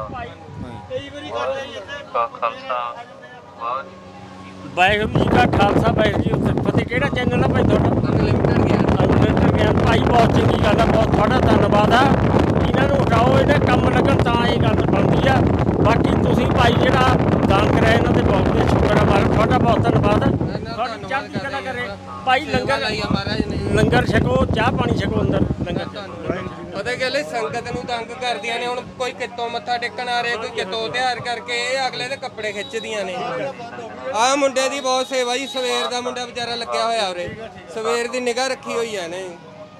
S2: ਵਾਹਿਗੁਰੂ ਜੀ ਕਾ ਖਾਲਸਾ ਵਾਹਿਗੁਰੂ ਜੀ ਕੀ ਫਤਿਹ। ਕਿਹੜਾ ਚੈਨਲ ਆ ਭਾਈ ਤੁਹਾਡਾ? ਅਨਲਿਮਟਿਡ ਗਿਆਨ ਭਾਈ, ਬਹੁਤ ਚੰਗੀ ਗੱਲ ਆ, ਬਹੁਤ ਤੁਹਾਡਾ ਧੰਨਵਾਦ ਆ। ਇਹਨਾਂ ਨੂੰ ਹਟਾਓ, ਇਹਦੇ ਕੰਮ ਲੱਗਣ ਤਾਂ ਇਹ ਗੱਲ ਬਣਦੀ ਆ। ਬਾਕੀ ਤੁਸੀਂ ਭਾਈ ਜਿਹੜਾ ਦਾਨ ਕਰਿਆ ਇਹਨਾਂ ਦੇ ਬਹੁਤ ਬਹੁਤ ਸ਼ੁਕਰ ਆ ਮਾਲਕ, ਤੁਹਾਡਾ ਬਹੁਤ ਧੰਨਵਾਦ। ਤੁਹਾਡੀ ਚੜ੍ਹਦੀ ਕਲਾ ਕਰੇ ਭਾਈ। ਲੰਗਰ ਛਕੋ, ਚਾਹ ਪਾਣੀ ਛਕੋ ਅੰਦਰ ਲੰਗਰ।
S1: ਪਤਾ ਕੀ ਗੱਲ ਸੰਗਤ ਨੂੰ ਤੰਗ ਕਰਦੀਆਂ ਨੇ। ਹੁਣ ਕੋਈ ਕਿਤੋਂ ਮੱਥਾ ਟੇਕਣ ਆ ਰਿਹਾ, ਕੋਈ ਕਿਤੋਂ ਤਿਆਰ ਕਰਕੇ ਇਹ ਅਗਲੇ ਦੇ ਕੱਪੜੇ ਖਿੱਚਦੀਆਂ ਨੇ। ਆਹ ਮੁੰਡੇ ਦੀ ਬਹੁਤ ਸੇਵਾ ਜੀ, ਸਵੇਰ ਦਾ ਮੁੰਡਾ ਵਿਚਾਰਾ ਲੱਗਿਆ ਹੋਇਆ ਉਰੇ, ਸਵੇਰ ਦੀ ਨਿਗਾਹ ਰੱਖੀ ਹੋਈ ਹੈ ਨੇ।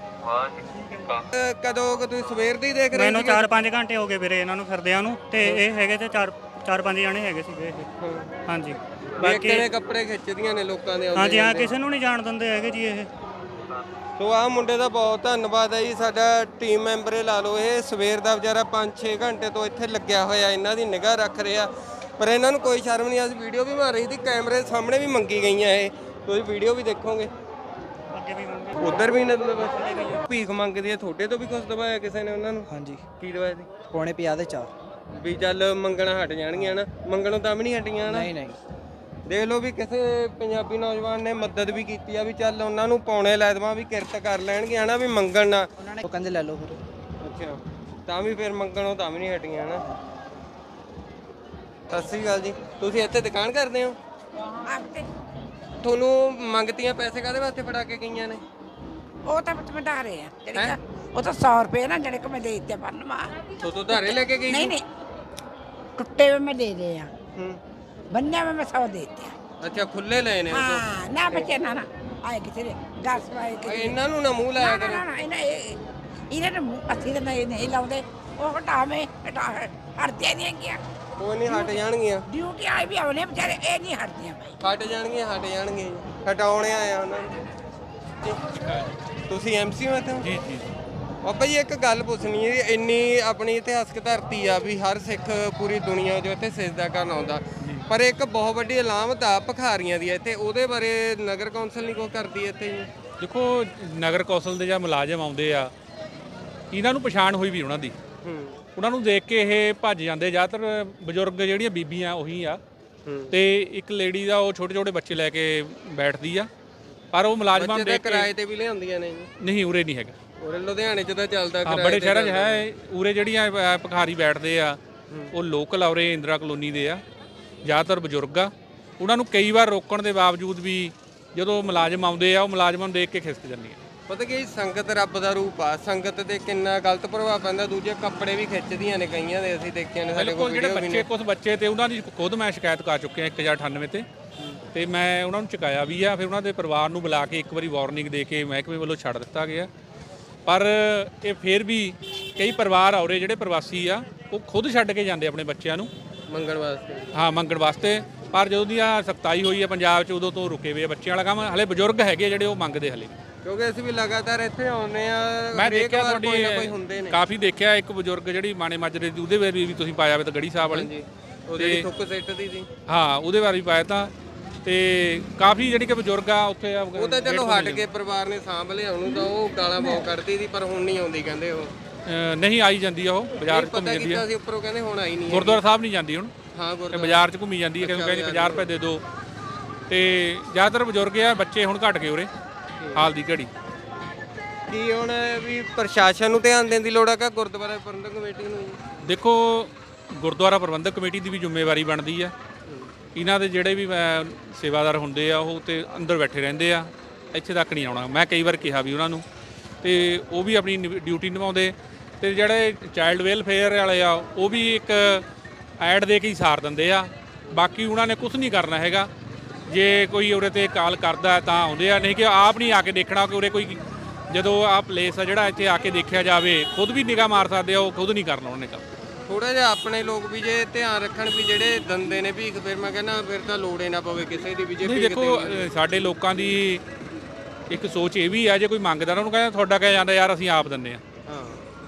S1: ਕਦੋਂ ਤੁਸੀਂ ਸਵੇਰ ਦੀ ਦੇਖ ਰਹੇ?
S4: ਮੈਨੂੰ 4-5 ਘੰਟੇ ਹੋ ਗਏ ਵੀਰੇ ਇਹਨਾਂ ਨੂੰ ਫਿਰਦਿਆਂ ਨੂੰ, ਤੇ ਇਹ ਹੈਗੇ ਤੇ 4-5 ਜਣੇ ਹੈਗੇ ਸੀਗੇ ਇਹ। ਹਾਂਜੀ
S1: ਬਾਕੀ ਕਿਵੇਂ ਕੱਪੜੇ ਖਿੱਚਦੀਆਂ ਨੇ ਲੋਕਾਂ ਦੇ।
S4: ਹਾਂਜੀ ਹਾਂ, ਕਿਸੇ ਨੂੰ ਨਹੀਂ ਜਾਣ ਦਿੰਦੇ ਹੈਗੇ ਜੀ ਇਹ।
S1: ਸੋ ਆਹ ਮੁੰਡੇ ਦਾ ਬਹੁਤ ਧੰਨਵਾਦ ਹੈ ਜੀ, ਸਾਡਾ ਟੀਮ ਮੈਂਬਰ ਹੀ ਲਾ ਲਓ। ਇਹ ਸਵੇਰ ਦਾ ਵਿਚਾਰਾ 5-6 ਘੰਟੇ ਤੋਂ ਇੱਥੇ ਲੱਗਿਆ ਹੋਇਆ, ਇਹਨਾਂ ਦੀ ਨਿਗਾਹ ਰੱਖ ਰਿਹਾ, ਪਰ ਇਹਨਾਂ ਨੂੰ ਕੋਈ ਸ਼ਰਮ ਨਹੀਂ। ਅਸੀਂ ਵੀਡੀਓ ਵੀ ਮਾਰ ਰਹੀ ਸੀ, ਕੈਮਰੇ ਸਾਹਮਣੇ ਵੀ ਮੰਗੀ ਗਈਆਂ ਇਹ, ਤੁਸੀਂ ਵੀਡੀਓ ਵੀ ਦੇਖੋਗੇ। ਉਧਰ ਵੀ ਇਹਨਾਂ ਨੂੰ ਭੀਖ ਮੰਗਦੀ ਹੈ। ਤੁਹਾਡੇ ਤੋਂ ਵੀ ਕੁਝ ਦਵਾਇਆ ਕਿਸੇ ਨੇ ਉਹਨਾਂ ਨੂੰ?
S7: ਹਾਂਜੀ
S1: ਕੀ ਦਵਾਇਆ ਸੀ?
S7: ਪੌਣੇ 50 ਦੇ 4।
S1: ਵੀ ਚੱਲ ਮੰਗਣਾ ਹਟ ਜਾਣਗੀਆਂ ਨਾ, ਮੰਗਣੋਂ ਤਾਂ ਵੀ ਨਹੀਂ ਹਟੀਆਂ ਨਾ।
S7: ਨਹੀਂ ਨਹੀਂ
S1: ਦੇਖ ਲਓ ਵੀ ਕਿਸੇ ਪੰਜਾਬੀ ਨੌਜਵਾਨ ਨੇ ਮਦਦ ਵੀ ਕੀਤੀ ਆ, ਵੀ ਚੱਲ ਉਹਨਾਂ ਨੂੰ ਪੌਣੇ ਲੈ ਦੇਵਾਂ, ਵੀ ਕਿਰਤ ਕਰ ਲੈਣਗੇ ਹਨਾ, ਵੀ ਮੰਗਣ ਨਾ।
S7: ਉਹ ਕਹਿੰਦੇ ਲੈ ਲਓ ਫਿਰ।
S1: ਅੱਛਾ, ਤਾਂ ਵੀ ਫਿਰ ਮੰਗਣੋਂ ਤਾਂ ਵੀ ਨਹੀਂ ਹਟੀਆਂ ਨਾ। ਸਤਿ ਸ਼੍ਰੀ ਅਕਾਲ ਜੀ, ਤੁਸੀਂ ਇੱਥੇ ਦੁਕਾਨ ਕਰਦੇ ਹੋ? ਤੁਹਾਨੂੰ ਮੰਗਤੀਆਂ ਪੈਸੇ ਕਾਹਦੇ ਵਾਸਤੇ ਫੜਾ ਕੇ ਗਈਆਂ ਨੇ?
S9: ਉਹ ਤਾਂ ਵਧਾ ਰਹੇ ਆ ਜਿਹੜੇ ਉਹ ਤਾਂ 100 ਰੁਪਏ ਨਾ ਜਿਹੜੇ ਕਿ ਮੈਂ ਦੇ ਦਿੱਤੇ ਬੰਨਵਾ।
S1: ਤੋਂ ਧਾਰੇ ਲੈ ਕੇ ਗਈ?
S9: ਨਹੀਂ ਨਹੀਂ, ਟੁੱਟੇ ਹੋਏ ਮੈਂ ਦੇ ਰਹੇ ਆ,
S1: ਹੂੰ।
S9: ਬੰਨਿਆ ਹੋਏ ਮੈਂ 100 ਦੇ ਦਿੱਤੇ।
S1: ਅੱਛਾ, ਖੁੱਲੇ ਲਏ ਨੇ ਉਹ ਤੋਂ?
S9: ਹਾਂ ਨਾ ਬੱਚੇ ਨਾ ਆਏ ਕਿਥੇ ਦੇ ਗਾਸ ਪਾਏ ਕਿ
S1: ਇਹਨਾਂ ਨੂੰ ਨਾ ਮੂੰਹ ਲਾਇਆ ਕਰੋ।
S9: ਨਾ ਇਹਨਾਂ ਨੇ ਅਸੀਂ ਤਾਂ ਨਹੀਂ ਲਾਉਂਦੇ। ਉਹ ਹਟਾਵੇਂ ਹਟਦੇ ਨਹੀਂ ਗਿਆ।
S1: ਕੋਈ ਨਹੀਂ, ਹਟ ਜਾਣਗੀਆਂ।
S9: ਡਿਊਟੀ ਆਏ ਵੀ ਆਉਣੇ ਵਿਚਾਰੇ, ਇਹ ਨਹੀਂ ਹਟਦੀਆਂ ਭਾਈ।
S1: ਹਟ ਜਾਣਗੀਆਂ ਹਟਾਉਣੇ ਆਇਆ ਉਹਨਾਂ ਨੂੰ। ਤੁਸੀਂ ਐਮਸੀ ਹੋ ਇੱਥੇ?
S6: ਜੀ ਜੀ।
S1: ਬਾਬਾ ਜੀ ਇੱਕ ਗੱਲ ਪੁੱਛਣੀ ਹੈ, ਇੰਨੀ ਆਪਣੀ ਇਤਿਹਾਸਕ ਧਰਤੀ ਆ ਵੀ ਹਰ ਸਿੱਖ ਪੂਰੀ ਦੁਨੀਆ ਜੋ ਇੱਥੇ ਸਿਜਦਾ ਕਰਨ ਆਉਂਦਾ, ਪਰ ਇੱਕ ਬਹੁਤ ਵੱਡੀ ਅਲਾਮਤ ਆ ਭਿਖਾਰੀਆਂ ਦੀ ਇੱਥੇ, ਉਹਦੇ ਬਾਰੇ ਨਗਰ ਕੌਂਸਲ ਨਹੀਂ ਕੁਛ ਕਰਦੀ ਇੱਥੇ ਜੀ?
S6: ਦੇਖੋ, ਨਗਰ ਕੌਂਸਲ ਦੇ ਜਾਂ ਮੁਲਾਜ਼ਮ ਆਉਂਦੇ ਆ, ਇਹਨਾਂ ਨੂੰ ਪਛਾਣ ਹੋਈ ਵੀ ਉਹਨਾਂ ਦੀ। ਉਹਨਾਂ ਨੂੰ ਦੇਖ ਕੇ ਇਹ ਭੱਜ ਜਾਂਦੇ। ਜ਼ਿਆਦਾਤਰ ਬਜ਼ੁਰਗ ਜਿਹੜੀਆਂ ਬੀਬੀਆਂ ਉਹੀ ਆ, ਤੇ ਇੱਕ ਲੇਡੀ ਦਾ ਉਹ ਛੋਟੇ ਛੋਟੇ ਬੱਚੇ ਲੈ ਕੇ ਬੈਠਦੀ ਆ, ਪਰ ਉਹ ਮੁਲਾਜ਼ਮਾਂ ਨੂੰ ਦੇਖ ਕੇ
S1: ਕਿਰਾਏ ਤੇ ਵੀ ਲਿਆਉਂਦੀਆਂ ਨੇ ਜੀ?
S6: ਨਹੀਂ, ਉਰੇ ਨਹੀਂ ਹੈਗਾ।
S1: ਉਰੇ ਲੁਧਿਆਣੇ 'ਚ ਤਾਂ ਚੱਲਦਾ
S6: ਹਾਂ, ਬੜੇ ਸ਼ਹਿਰਾਂ 'ਚ ਹੈ। ਉਰੇ ਜਿਹੜੀਆਂ ਭਿਖਾਰੀ ਬੈਠਦੇ ਆ ਉਹ ਲੋਕਲ ਆ, ਉਰੇ ਇੰਦਰਾ ਕਲੋਨੀ ਦੇ ਆ, ਜ਼ਿਆਦਾਤਰ ਬਜ਼ੁਰਗ ਆ। ਉਹਨਾਂ ਨੂੰ ਕਈ ਵਾਰ ਰੋਕਣ ਦੇ ਬਾਵਜੂਦ ਵੀ ਜਦੋਂ ਮੁਲਾਜ਼ਮ ਆਉਂਦੇ ਆ, ਉਹ ਮੁਲਾਜ਼ਮਾਂ ਨੂੰ ਦੇਖ ਕੇ ਖਿਸਕ ਜਾਂਦੀਆਂ।
S1: ਪਤਾ ਕੀ, ਸੰਗਤ ਰੱਬ ਦਾ ਰੂਪ ਆ। ਸੰਗਤ ਤੇ ਕਿੰਨਾ ਗਲਤ ਪ੍ਰਭਾਵ ਪੈਂਦਾ। ਦੂਜੇ ਕੱਪੜੇ ਵੀ ਖਿੱਚਦੀਆਂ ਨੇ ਕਈਆਂ ਦੇ, ਅਸੀਂ ਦੇਖਿਆ ਨੇ ਸਾਡੇ ਕੋਲ
S6: ਜਿਹੜੇ
S1: ਵੀਡੀਓ ਵੀ ਨੇ।
S6: ਕੁਝ ਬੱਚੇ ਤੇ ਉਹਨਾਂ ਦੀ ਖੁਦ ਮੈਂ ਸ਼ਿਕਾਇਤ ਕਰ ਚੁੱਕਿਆ 1098 ਤੇ ਮੈਂ ਉਹਨਾਂ ਨੂੰ ਚੁਕਾਇਆ ਵੀ ਆ। ਫਿਰ ਉਹਨਾਂ ਦੇ ਪਰਿਵਾਰ ਨੂੰ ਬੁਲਾ ਕੇ ਇੱਕ ਵਾਰੀ ਵਾਰਨਿੰਗ ਦੇ ਕੇ ਮਹਿਕਮੇ ਵੱਲੋਂ ਛੱਡ ਦਿੱਤਾ ਗਿਆ। ਪਰ ਇਹ ਫਿਰ ਵੀ ਕਈ ਪਰਿਵਾਰ ਆ ਉਰੇ ਜਿਹੜੇ ਪ੍ਰਵਾਸੀ ਆ, ਉਹ ਖੁਦ ਛੱਡ ਕੇ ਜਾਂਦੇ ਆਪਣੇ ਬੱਚਿਆਂ ਨੂੰ
S1: ਮੰਗਣ ਵਾਸਤੇ।
S6: ਹਾਂ, ਮੰਗਣ ਵਾਸਤੇ। ਪਰ ਜਦੋਂ ਦੀ ਆ ਸਖਤਾਈ ਹੋਈ ਆ ਪੰਜਾਬ 'ਚ, ਉਦੋਂ ਤੋਂ ਰੁਕੇ ਹੋਏ ਆ ਬੱਚਿਆਂ ਵਾਲਾ ਕੰਮ। ਹਲੇ ਬਜ਼ੁਰਗ ਹੈਗੇ ਜਿਹੜੇ ਉਹ ਮੰਗਦੇ ਹਲੇ,
S1: ਕਿਉਂਕਿ ਅਸੀਂ ਵੀ ਲਗਾਤਾਰ ਇੱਥੇ ਆਉਂਦੇ ਆ।
S6: ਮੈਂ ਦੇਖਿਆ
S1: ਕੋਈ ਨਾ ਕੋਈ ਹੁੰਦੇ ਨੇ।
S6: ਕਾਫੀ ਦੇਖਿਆ। ਇੱਕ ਬਜ਼ੁਰਗ ਜਿਹੜੀ ਮਾਣੇ ਮਾਜਰੇ ਦੀ, ਉਹਦੇ ਬਾਰੇ ਵੀ ਤੁਸੀਂ ਪਾਇਆ ਵੇ ਤਾਂ ਗੜੀ ਸਾਹਿਬ ਵਾਲੀ,
S1: ਉਹਦੇ ਥੁੱਕ ਸਿੱਟ ਦੀ ਸੀ।
S6: ਹਾਂ, ਉਹਦੇ ਬਾਰੇ ਵੀ ਪਾਇਆ ਤਾਂ। ਤੇ ਕਾਫੀ ਜਿਹੜੀ ਕਿ ਬਜ਼ੁਰਗ ਆ ਉੱਥੇ
S1: ਉਹ ਤਾਂ ਚਲੋ ਹਟ ਕੇ ਪਰਿਵਾਰ ਨੇ ਸਾਂਭ ਲਿਆ ਉਹਨੂੰ, ਤਾਂ ਉਹ ਗਾਲਾਂ ਬਹੁਤ ਕੱਢਦੀ ਸੀ, ਪਰ ਹੁਣ ਨਹੀਂ ਆਉਂਦੀ ਕਹਿੰਦੇ। ਉਹ
S6: ਨਹੀਂ ਆਈ ਜਾਂਦੀ ਆ, ਉਹ ਬਾਜ਼ਾਰ 'ਚ ਘੁੰਮੀ ਜਾਂਦੀ ਆ।
S1: ਅਸੀਂ ਉੱਪਰੋਂ ਕਹਿੰਦੇ ਹੁਣ ਆਈ ਨਹੀਂ।
S6: ਗੁਰਦੁਆਰਾ ਸਾਹਿਬ ਨਹੀਂ ਜਾਂਦੀ ਹੁਣ,
S1: ਹਾਂ
S6: ਤੇ ਬਾਜ਼ਾਰ 'ਚ ਘੁੰਮੀ ਜਾਂਦੀ ਹੈ। ਕਿਉਂਕਿ ਕਹਿੰਦੀ 50 ਰੁਪਏ ਦੇ ਦਿਓ। ਤੇ ਜ਼ਿਆਦਾਤਰ ਬਜ਼ੁਰਗ ਆ, ਬੱਚੇ ਹੁਣ ਘਟ ਗਏ ਉਰੇ ਹਾਲ ਦੀ ਘੜੀ।
S1: ਕੀ ਹੁਣ ਵੀ ਪ੍ਰਸ਼ਾਸਨ ਨੂੰ ਧਿਆਨ ਦੇਣ ਦੀ ਲੋੜ ਆ ਕਿ ਗੁਰਦੁਆਰਾ ਪ੍ਰਬੰਧਕ ਕਮੇਟੀ ਨੂੰ?
S6: ਦੇਖੋ, ਗੁਰਦੁਆਰਾ ਪ੍ਰਬੰਧਕ ਕਮੇਟੀ ਦੀ ਵੀ ਜ਼ਿੰਮੇਵਾਰੀ ਬਣਦੀ ਆ। ਇਹਨਾਂ ਦੇ ਜਿਹੜੇ ਵੀ ਸੇਵਾਦਾਰ ਹੁੰਦੇ ਆ, ਉਹ ਤੇ ਅੰਦਰ ਬੈਠੇ ਰਹਿੰਦੇ ਆ, ਇੱਥੇ ਤੱਕ ਨਹੀਂ ਆਉਣਾ। ਮੈਂ ਕਈ ਵਾਰ ਕਿਹਾ ਵੀ ਉਹਨਾਂ ਨੂੰ, ਤੇ ਉਹ ਵੀ ਆਪਣੀ ਡਿਊਟੀ ਨਿਭਾਉਂਦੇ ਤੇ ਜਿਹੜੇ ਚਾਈਲਡ ਵੈਲਫੇਅਰ ਵਾਲੇ ਆ ਉਹ ਵੀ ਇੱਕ ਐਡ ਦੇ ਕੇ ਹੀ ਸਾਰ ਦਿੰਦੇ ਆ। ਬਾਕੀ ਉਹਨਾਂ ਨੇ ਕੁਝ ਨਹੀਂ ਕਰਨਾ ਹੈਗਾ। ਜੇ ਕੋਈ ਉਰੇ ਤੇ ਕਾਲ ਕਰਦਾ ਤਾਂ ਆਉਂਦੇ ਆ, ਨਹੀਂ ਕਿ ਆਪ ਨਹੀਂ ਆ ਕੇ ਦੇਖਣਾ ਕਿ ਉਰੇ ਕੋਈ ਜਦੋਂ ਆਹ ਪਲੇਸ ਆ ਜਿਹੜਾ ਇੱਥੇ ਆ ਕੇ ਦੇਖਿਆ ਜਾਵੇ, ਖੁਦ ਵੀ ਨਿਗਾਹ ਮਾਰ ਸਕਦੇ ਆ, ਉਹ ਖੁਦ ਨਹੀਂ ਕਰਨਾ ਉਹਨੇ ਕੰਮ।
S1: ਥੋੜਾ ਜਿਹਾ ਆਪਣੇ ਲੋਕ ਵੀ ਜੇ ਧਿਆਨ ਰੱਖਣ ਵੀ ਜਿਹੜੇ ਦੰਦੇ ਨੇ ਭੀਖ, ਫਿਰ ਮੈਂ ਕਹਿੰਦਾ ਫਿਰ ਤਾਂ ਲੋੜ ਹੀ ਨਾ ਪਵੇ ਕਿਸੇ ਦੀ ਵੀ ਜੇ
S6: ਨਹੀਂ
S1: ਭੀਖ
S6: ਦੇਖੋ ਸਾਡੇ ਲੋਕਾਂ ਦੀ ਇੱਕ ਸੋਚ ਇਹ ਵੀ ਆ, ਜੇ ਕੋਈ ਮੰਗਦਾ ਉਹਨੂੰ ਕਹਿੰਦਾ ਤੁਹਾਡਾ ਕਿਆ ਜਾਂਦਾ ਯਾਰ ਅਸੀਂ ਆਪ ਦਿੰਦੇ ਆ।
S1: ਹਾਂ,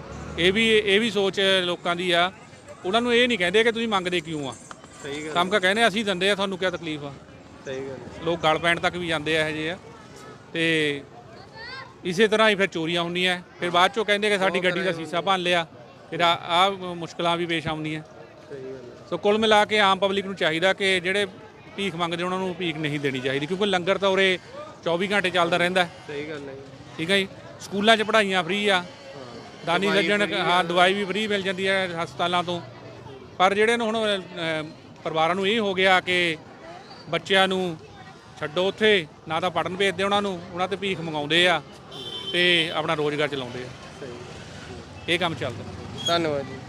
S6: ਇਹ ਵੀ ਸੋਚ ਲੋਕਾਂ ਦੀ ਆ। ਉਹਨਾਂ ਨੂੰ ਇਹ ਨਹੀਂ ਕਹਿੰਦੇ ਕਿ ਤੁਸੀਂ ਮੰਗਦੇ ਕਿਉਂ ਆ।
S1: ਸਹੀ ਗੱਲ,
S6: ਕੰਮ ਕਾ ਕਹਿੰਦੇ ਅਸੀਂ ਦਿੰਦੇ ਆ, ਤੁਹਾਨੂੰ ਕੀ ਤਕਲੀਫ ਆ।
S1: ਸਹੀ ਗੱਲ।
S6: ਲੋਕ ਗਲ ਪੈਣ ਤੱਕ ਵੀ ਜਾਂਦੇ ਆ ਇਹੋ ਜਿਹੇ ਆ। ਤੇ ਇਸੇ ਤਰ੍ਹਾਂ ਹੀ ਫਿਰ ਚੋਰੀਆਂ ਹੁੰਦੀਆਂ, ਫਿਰ ਬਾਅਦ ਚੋਂ ਕਹਿੰਦੇ ਕਿ ਸਾਡੀ ਗੱਡੀ ਦਾ ਸ਼ੀਸ਼ਾ ਭੰਨ ਲਿਆ, ਫਿਰ ਆਹ ਮੁਸ਼ਕਲਾਂ ਵੀ ਪੇਸ਼ ਆਉਂਦੀਆਂ। ਸੋ ਕੁੱਲ ਮਿਲਾ ਕੇ ਆਮ ਪਬਲਿਕ ਨੂੰ ਚਾਹੀਦਾ ਕਿ ਜਿਹੜੇ ਭੀਖ ਮੰਗਦੇ ਉਹਨਾਂ ਨੂੰ ਭੀਖ ਨਹੀਂ ਦੇਣੀ ਚਾਹੀਦੀ, ਕਿਉਂਕਿ ਲੰਗਰ ਤਾਂ ਉਰੇ 24 ਘੰਟੇ ਚੱਲਦਾ ਰਹਿੰਦਾ।
S1: ਸਹੀ ਗੱਲ ਹੈ।
S6: ਠੀਕ ਹੈ ਜੀ। ਸਕੂਲਾਂ 'ਚ ਪੜ੍ਹਾਈਆਂ ਫ੍ਰੀ ਆ, ਦਾਨੀ ਸੱਜਣ, ਹਾਂ ਦਵਾਈ ਵੀ ਫ੍ਰੀ ਮਿਲ ਜਾਂਦੀ ਹੈ ਹਸਪਤਾਲਾਂ ਤੋਂ। ਪਰ ਜਿਹੜੇ ਨੂੰ ਹੁਣ ਪਰਿਵਾਰਾਂ ਨੂੰ ਇਹ ਹੋ ਗਿਆ ਕਿ ਬੱਚਿਆਂ ਨੂੰ ਛੱਡੋ ਉੱਥੇ, ਨਾ ਤਾਂ ਪੜ੍ਹਨ ਭੇਜਦੇ ਉਹਨਾਂ ਤੇ ਭੀਖ ਮੰਗਾਉਂਦੇ ਆ ਤੇ ਆਪਣਾ ਰੋਜ਼ਗਾਰ ਚਲਾਉਂਦੇ ਆ। ਇਹ ਕੰਮ ਚੱਲਦਾ।
S1: ਧੰਨਵਾਦ ਜੀ।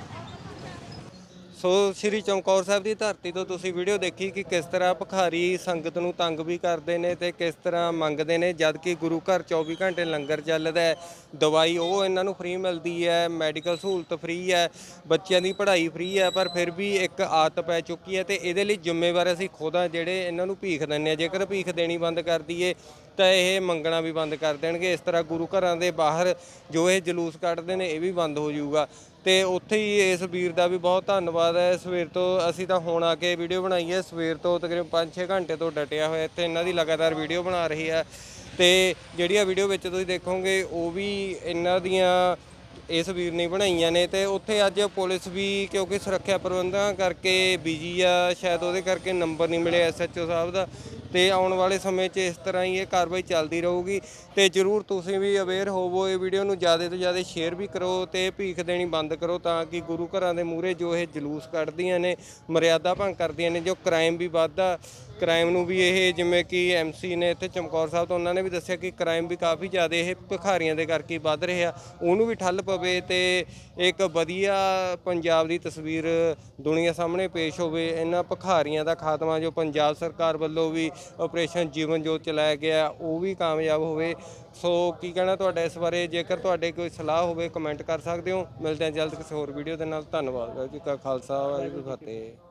S1: ਸੋ ਸ਼੍ਰੀ ਚਮਕੌਰ ਸਾਹਿਬ ਦੀ ਧਰਤੀ ਤੋਂ ਤੁਸੀਂ ਵੀਡੀਓ ਦੇਖੀ ਕਿ ਕਿਸ ਤਰ੍ਹਾਂ ਭਿਖਾਰੀ ਸੰਗਤ ਨੂੰ ਤੰਗ ਵੀ ਕਰਦੇ ਨੇ ਤੇ ਕਿਸ ਤਰ੍ਹਾਂ ਮੰਗਦੇ ਨੇ, ਜਦ ਕਿ ਗੁਰੂ ਘਰ 24 ਘੰਟੇ ਲੰਗਰ ਚੱਲਦਾ ਹੈ, ਦਵਾਈ ਉਹ ਇਹਨਾਂ ਨੂੰ ਫ੍ਰੀ ਮਿਲਦੀ ਹੈ, ਮੈਡੀਕਲ ਸਹੂਲਤ ਫ੍ਰੀ ਹੈ, ਬੱਚਿਆਂ ਦੀ ਪੜ੍ਹਾਈ ਫ੍ਰੀ ਹੈ। ਪਰ ਫਿਰ ਵੀ ਇੱਕ ਆਦਤ ਪੈ ਚੁੱਕੀ ਹੈ ਤੇ ਇਹਦੇ ਲਈ ਜ਼ਿੰਮੇਵਾਰ ਅਸੀਂ ਖੁਦ ਹਾਂ ਜਿਹੜੇ ਇਹਨਾਂ ਨੂੰ ਭੀਖ ਦਿੰਦੇ ਹਾਂ। ਜੇਕਰ ਭੀਖ ਦੇਣੀ ਬੰਦ ਕਰ ਦਈਏ ਤਾਂ ਇਹ ਮੰਗਣਾ ਵੀ ਬੰਦ ਕਰ ਦੇਣਗੇ। ਇਸ ਤਰ੍ਹਾਂ ਗੁਰੂ ਘਰਾਂ ਦੇ ਬਾਹਰ ਜੋ ਇਹ ਜਲੂਸ ਕੱਢਦੇ ਨੇ ਇਹ ਵੀ ਬੰਦ ਹੋ ਜਾਊਗਾ। ਤੇ ਉੱਥੇ ਹੀ ਇਸ ਵੀਰ ਦਾ ਵੀ ਬਹੁਤ ਧੰਨਵਾਦ ਹੈ। ਸਵੇਰ ਤੋਂ ਅਸੀਂ ਤਾਂ ਹੁਣ ਆ ਕੇ ਵੀਡੀਓ ਬਣਾਈ ਹੈ, ਸਵੇਰ ਤੋਂ ਤਕਰੀਬਨ 5-6 ਘੰਟੇ ਤੋਂ ਡਟਿਆ ਹੋਇਆ ਇੱਥੇ, ਇਹਨਾਂ ਦੀ ਲਗਾਤਾਰ ਵੀਡੀਓ ਬਣਾ ਰਹੀ ਹੈ। ਤੇ ਜਿਹੜੀਆਂ ਵੀਡੀਓ ਵਿੱਚ ਤੁਸੀਂ ਦੇਖੋਗੇ ਉਹ ਵੀ ਇਹਨਾਂ ਦੀਆਂ ਇਸ ਵੀਰ ਨੇ ਬਣਾਈਆਂ ਨੇ। ਤੇ ਉੱਥੇ ਅੱਜ ਪੁਲਿਸ ਵੀ ਕਿਉਂਕਿ ਸੁਰੱਖਿਆ ਪ੍ਰਬੰਧਾਂ ਕਰਕੇ ਬਿਜੀ ਆ, ਸ਼ਾਇਦ ਉਹਦੇ ਕਰਕੇ ਨੰਬਰ ਨਹੀਂ ਮਿਲਿਆ SHO ਸਾਹਿਬ ਦਾ। ਤੇ ਆਉਣ ਵਾਲੇ ਸਮੇਂ 'ਚ ਇਸ ਤਰ੍ਹਾਂ ਹੀ ਇਹ ਕਾਰਵਾਈ ਚੱਲਦੀ ਰਹੂਗੀ। ਤੇ ਜ਼ਰੂਰ ਤੁਸੀਂ ਵੀ ਅਵੇਅਰ ਹੋਵੋ, ਇਹ ਵੀਡੀਓ ਨੂੰ ਜ਼ਿਆਦਾ ਤੋਂ ਜ਼ਿਆਦਾ ਸ਼ੇਅਰ ਵੀ ਕਰੋ ਤੇ ਭੀਖ ਦੇਣੀ ਬੰਦ ਕਰੋ, ਤਾਂ ਕਿ ਗੁਰੂ ਘਰਾਂ ਦੇ ਮੂਹਰੇ ਜੋ ਇਹ ਜਲੂਸ ਕੱਢਦੀਆਂ ਨੇ, ਮਰਿਆਦਾ ਭੰਗ ਕਰਦੀਆਂ ਨੇ, ਜੋ ਕ੍ਰਾਈਮ ਵੀ ਵੱਧਦਾ, ਕ੍ਰਾਈਮ ਨੂੰ ਵੀ ਇਹ ਜਿਵੇਂ ਕਿ MC ਨੇ ਇੱਥੇ ਚਮਕੌਰ ਸਾਹਿਬ ਤੋਂ ਉਹਨਾਂ ਨੇ ਵੀ ਦੱਸਿਆ ਕਿ ਕ੍ਰਾਈਮ ਵੀ ਕਾਫੀ ਜ਼ਿਆਦਾ ਇਹ ਭਿਖਾਰੀਆਂ ਦੇ ਕਰਕੇ ਵੱਧ ਰਿਹਾ, ਉਹਨੂੰ ਵੀ ਠੱਲ ਪਵੇ ਤੇ ਇੱਕ ਵਧੀਆ ਪੰਜਾਬ ਦੀ ਤਸਵੀਰ ਦੁਨੀਆ ਸਾਹਮਣੇ ਪੇਸ਼ ਹੋਵੇ। ਇਹਨਾਂ ਭਿਖਾਰੀਆਂ ਦਾ ਖਾਤਮਾ ਜੋ ਪੰਜਾਬ ਸਰਕਾਰ ਵੱਲੋਂ ਵੀ ਆਪਰੇਸ਼ਨ ਜੀਵਨ ਜੋਤ ਚਲਾਇਆ ਗਿਆ ਉਹ ਵੀ ਕਾਮਯਾਬ ਹੋਵੇ। ਸੋ ਕੀ ਕਹਿਣਾ ਤੁਹਾਡਾ ਇਸ ਬਾਰੇ? ਜੇਕਰ ਤੁਹਾਡੇ ਕੋਈ ਸਲਾਹ ਹੋਵੇ ਕਮੈਂਟ ਕਰ ਸਕਦੇ ਹੋ। ਮਿਲਦੇ ਹਾਂ ਜਲਦ ਕਿਸੇ ਹੋਰ ਵੀਡੀਓ ਦੇ ਨਾਲ। ਧੰਨਵਾਦ। ਵਾਹਿਗੁਰੂ ਜੀ ਕਾ ਖਾਲਸਾ, ਵਾਹਿਗੁਰੂ ਜੀ ਕੀ ਫਤਿਹ।